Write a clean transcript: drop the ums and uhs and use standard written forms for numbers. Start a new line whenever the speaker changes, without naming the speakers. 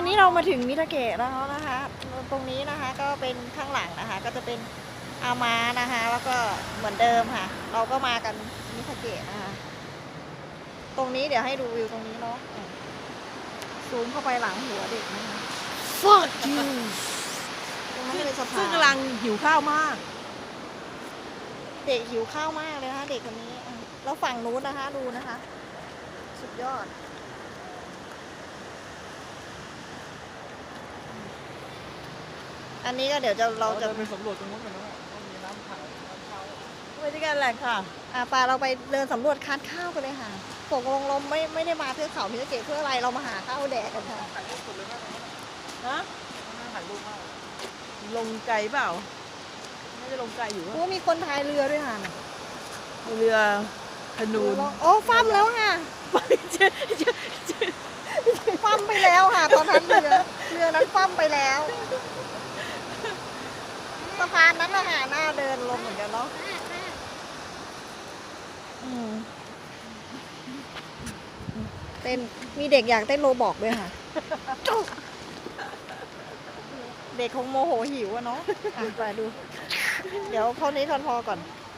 นี้เรามาถึงมิทาเกะแล้วนะคะตรงนี้นะคะก็เป็นข้างหลังนะคะก็จะเป็นอามานะคะแล้วก็เหมือนเดิมค่ะเราก็มากันมิทาเกะนะคะตรงนี้เดี๋ยวให้ดูวิวตรงนี้เนาะซูมเข้าไปหลังหัวเด็กนะคะ
fuck you
ตรงนั้นเป็นสะพาน
ซึ่งกำลังหิวข้าวมาก
เด็กหิวข้าวมากเลยนะคะเด็กคนนี้แล้วฝั่งนู้นนะคะดูนะคะสุดยอดอันนี้ก็เดี๋ยวเราจะ
ไปสำรวจตรงนู้นกันนะว่ามีน้ำขังน้ำเข้า
ไปด้วยกันแหละค่ะ
ปาเราไปเดินสำรวจคานข้าวกันเลยค่ะตกลงเราไม่ได้มาเพื่อเขามิทาเกะเพื่ออะไรเรามาหาข้าวแดกกันค่ะ
ถ่ายรูปสุดเลยนะ
นะ
ถ่ายรูปมาก
ลงไกลเปล่าน่าจะลงไกลอยู่
โอ้มีคนพายเรือด้วยค่ะ
เรือธนูน
โอ้ฟั่มแล้วค่ะ
ไปเจอ
ฟั่มไปแล้วค่ะ ตอนนั้นเรือนั้นฟั่มไปแล้วสะพานนั้นนะคะหน้าเดินลงเหมือนกันเนาะอืมเต้นมีเด็กอยากเต้นโรบอกด้วยค่ะ เด็กคงโมโหหิวอะเนาะไปดู เดี๋ยวเท่านี้พอก่อน